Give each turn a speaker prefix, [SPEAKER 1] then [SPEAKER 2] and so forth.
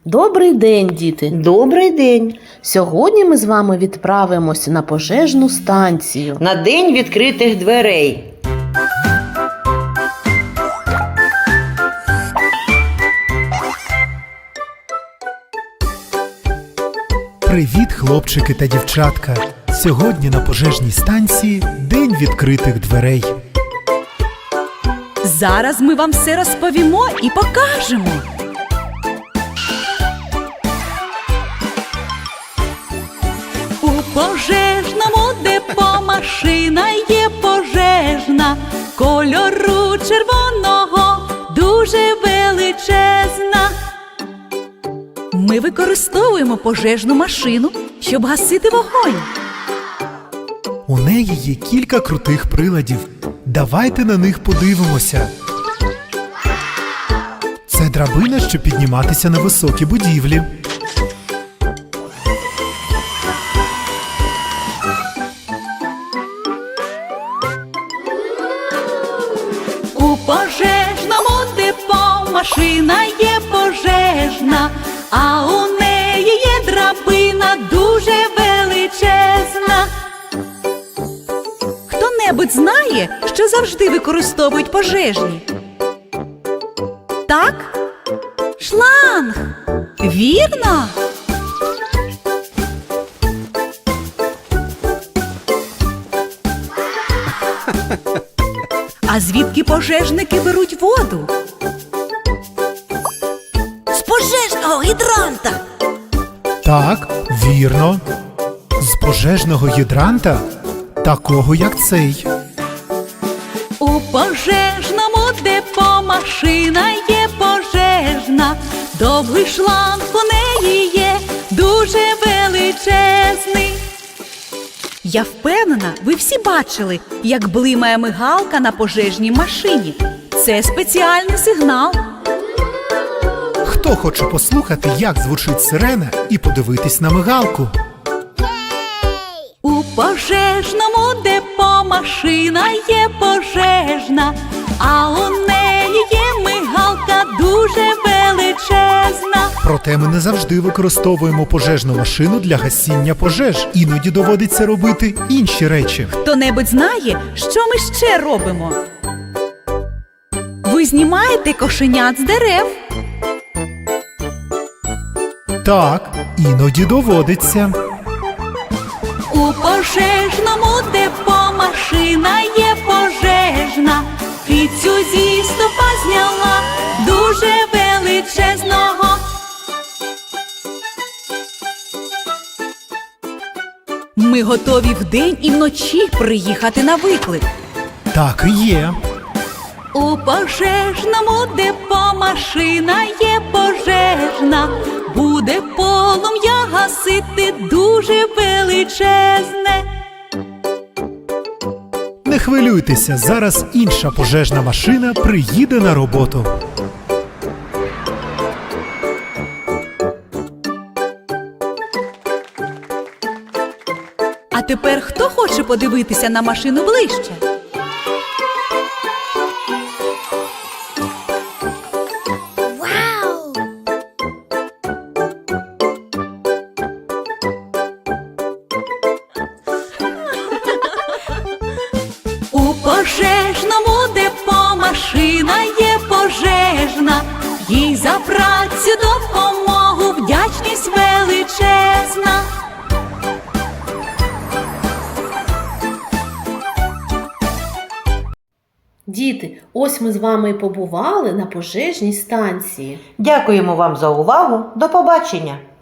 [SPEAKER 1] Добрий день, діти!
[SPEAKER 2] Добрий день!
[SPEAKER 1] Сьогодні ми з вами відправимося на пожежну станцію.
[SPEAKER 2] На день відкритих дверей.
[SPEAKER 3] Привіт, хлопчики та дівчатка! Сьогодні на пожежній станції день відкритих дверей.
[SPEAKER 4] Зараз ми вам все розповімо і покажемо. У пожежному депо машина є пожежна, кольору червоного, дуже величезна. Ми використовуємо пожежну машину, щоб гасити вогонь.
[SPEAKER 3] У неї є кілька крутих приладів. Давайте на них подивимося. Це драбина, щоб підніматися на високі будівлі.
[SPEAKER 4] У пожежному депо машина є пожежна, а у неї є драбина дуже величезна. Хто-небудь знає, що завжди використовують пожежні? Так? Шланг! Вірно! А звідки пожежники беруть воду? З пожежного гідранта!
[SPEAKER 3] Так, вірно. З пожежного гідранта, такого як цей.
[SPEAKER 4] У пожежному депо машина є пожежна, довгий шланг у неї є, дуже величезний. Я впевнена, ви всі бачили, як блимає мигалка на пожежній машині. Це спеціальний сигнал.
[SPEAKER 3] Хто хоче послухати, як звучить сирена, і подивитись на мигалку?
[SPEAKER 4] У пожежному депо машина є пожежна, а у неї є мигалка дуже величезна.
[SPEAKER 3] Проте ми не завжди використовуємо пожежну машину для гасіння пожеж. Іноді доводиться робити інші речі.
[SPEAKER 4] Хто-небудь знає, що ми ще робимо? Ви знімаєте кошенят з дерев.
[SPEAKER 3] Так, іноді доводиться.
[SPEAKER 4] У пожежному депо машина є пожежна, кицю зі стовпа зняла дуже величезного. Ми готові вдень і вночі приїхати на виклик.
[SPEAKER 3] Так і є.
[SPEAKER 4] У пожежному депо машина є пожежна, буде полум'я гасити дуже величезне.
[SPEAKER 3] Не хвилюйтеся, зараз інша пожежна машина приїде на роботу.
[SPEAKER 4] А тепер хто хоче подивитися на машину ближче? У пожежному депо машина є пожежна, їй за працю допомогу вдячність величезна.
[SPEAKER 1] Діти, ось ми з вами і побували на пожежній станції.
[SPEAKER 2] Дякуємо вам за увагу. До побачення!